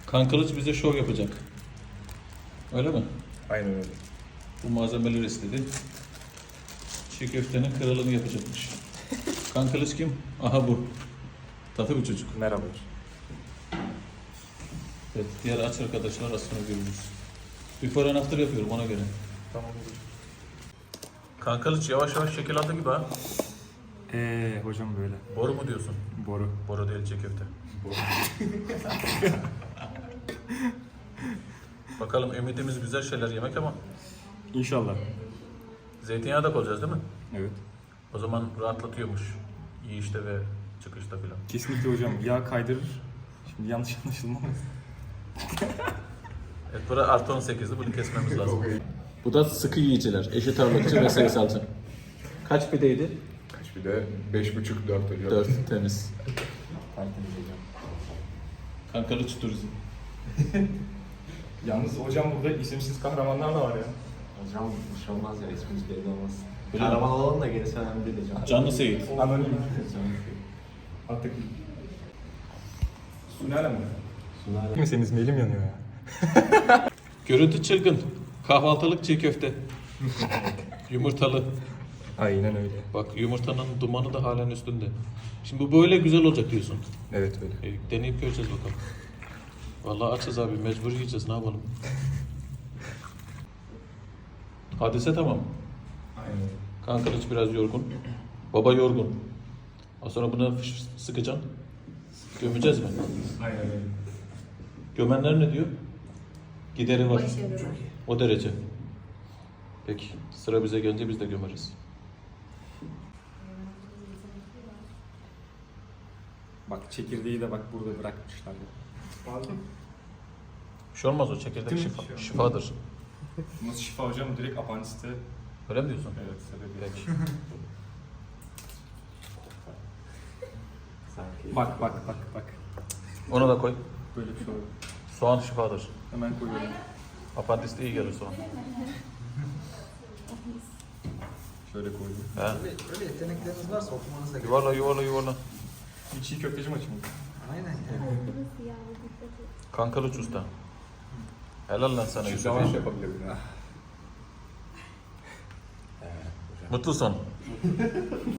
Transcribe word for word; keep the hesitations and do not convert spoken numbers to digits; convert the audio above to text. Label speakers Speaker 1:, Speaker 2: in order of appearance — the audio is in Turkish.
Speaker 1: Kankılıç bize şov yapacak. Öyle mi?
Speaker 2: Aynen öyle.
Speaker 1: Bu malzemeleri istedi. Çiğ köftenin kralını yapacakmış. Kankılıç kim? Aha bu. Tatlı bir çocuk.
Speaker 2: Merhaba.
Speaker 1: Evet, diğer aç arkadaşlar az sonra görürüz. Before and after yapıyorum ona göre.
Speaker 2: Tamam olur.
Speaker 1: Kankılıç yavaş yavaş şekil aldı gibi ha.
Speaker 2: Eee hocam böyle.
Speaker 1: Boru mu diyorsun?
Speaker 2: Boru.
Speaker 1: Boru değil, çiğ köfte.
Speaker 2: Boru.
Speaker 1: Bakalım ümidimiz güzel şeyler yemek ama
Speaker 2: İnşallah.
Speaker 1: zeytinyağı da koyacağız değil mi?
Speaker 2: Evet.
Speaker 1: O zaman rahatlatıyormuş. Yiyişte ve çıkışta filan.
Speaker 2: Kesinlikle hocam. Yağ kaydırır. Şimdi yanlış anlaşılmaz.
Speaker 1: Evet, bura artı on sekizdi. Bunu kesmemiz lazım. Bu da sıkı yiyiciler. Eşit ağırlıkçı ve sayısalcı. Kaç pideydi?
Speaker 3: Kaç bir de beş buçuk dört hocam.
Speaker 1: Dört. Temiz.
Speaker 2: Tertemiz hocam.
Speaker 1: Kankılıç turizm.
Speaker 2: Yalnız hocam burada isimsiz kahramanlar da var ya.
Speaker 4: Hocam bir şey olmaz ya, ismimiz belli olmaz.
Speaker 1: Öyle mi?
Speaker 4: Kahraman olalım da gerisi önemli değil hocam.
Speaker 1: Canlı Seyit.
Speaker 2: Anonim. Artık. Sunale mi?
Speaker 4: Sunale.
Speaker 2: Kimseniz elim yanıyor ya.
Speaker 1: Görüntü çılgın. Kahvaltılık çiğ köfte. Yumurtalı.
Speaker 2: Aynen öyle.
Speaker 1: Bak yumurtanın dumanı da halen üstünde. Şimdi bu böyle güzel olacak diyorsun.
Speaker 2: Evet öyle.
Speaker 1: E, deneyip göreceğiz bakalım. Vallahi açız abi, mecbur yiyeceğiz, ne yapalım. Hadise tamam.
Speaker 2: Aynen öyle.
Speaker 1: Kankılıç biraz yorgun. Baba yorgun. Az sonra buna fış- sıkacaksın. Gömeceğiz mi?
Speaker 2: Aynen öyle.
Speaker 1: Gömenler ne diyor? Gideri var.
Speaker 5: Başarılı.
Speaker 1: O derece. Peki sıra bize gelince biz de gömeriz.
Speaker 2: Bak çekirdeği de bak burada bırakmışlar ya.
Speaker 1: Bir şey olmaz, o çekirdek
Speaker 2: Değil mi?
Speaker 1: şifa,
Speaker 2: Bir şey olmaz.
Speaker 1: şifadır.
Speaker 2: Nasıl şifa hocam? Direkt apandiste.
Speaker 1: Öyle mi diyorsun?
Speaker 2: Evet sebebi.
Speaker 1: Peki.
Speaker 4: Sanki.
Speaker 2: Bak bak bak bak.
Speaker 1: Onu da koy.
Speaker 2: Böyle bir şey olur.
Speaker 1: Soğan şifadır.
Speaker 2: Hemen koyuyorum.
Speaker 1: Apandiste iyi gelir soğan.
Speaker 2: Şöyle koydum.
Speaker 1: He.
Speaker 4: Öyle, öyle yetenekleriniz varsa okumanız da gerekiyor.
Speaker 1: Yuvarla yuvarla yuvarla.
Speaker 2: Bir çiğ köfteci maçı mı?
Speaker 4: Aynen.
Speaker 1: Kankılıç usta. Helal lan sana
Speaker 3: Şu
Speaker 1: Yusuf.
Speaker 3: savaş yapabilirim ya.
Speaker 1: Mutlu son.